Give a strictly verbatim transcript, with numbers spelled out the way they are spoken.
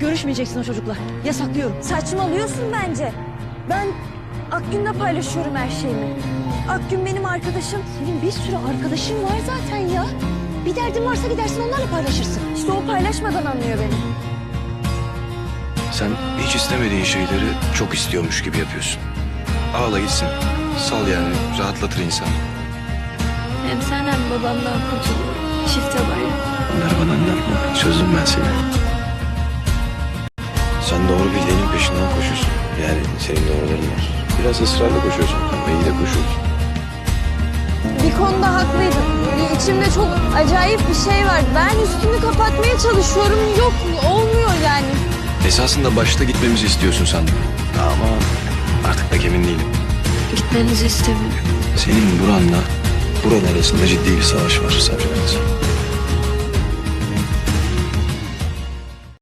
Görüşmeyeceksin o çocukla. Yasaklıyorum. Saçmalıyorsun bence. Ben Akgün'le paylaşıyorum her şeyimi. Akgün benim arkadaşım. Senin bir sürü arkadaşın var zaten ya. Bir derdin varsa gidersin onlarla paylaşırsın. İşte o paylaşmadan anlıyor beni. Sen hiç istemediğin şeyleri çok istiyormuş gibi yapıyorsun. Ağla gitsin. Sal yani. Rahatlatır insanı. Hem sen hem babamdan kurtuluyorum. Çifte bayram. Bunları bana anlatma. Çözdüm ben seni. Sen doğru bildiğinin peşinden koşuyorsun. Yani senin doğruların var. Biraz ısrarla koşuyorsun ama iyi de koşuyorsun. Bir konuda haklıydın. Bir içimde çok acayip bir şey var. Ben üstümü kapatmaya çalışıyorum. Yok, olmuyor yani. Esasında başta gitmemizi istiyorsun sandım. Ama artık pek emin değilim. Gitmenizi istemiyorum. Senin buranla buranın arasında ciddi bir savaş var Sabri'nin.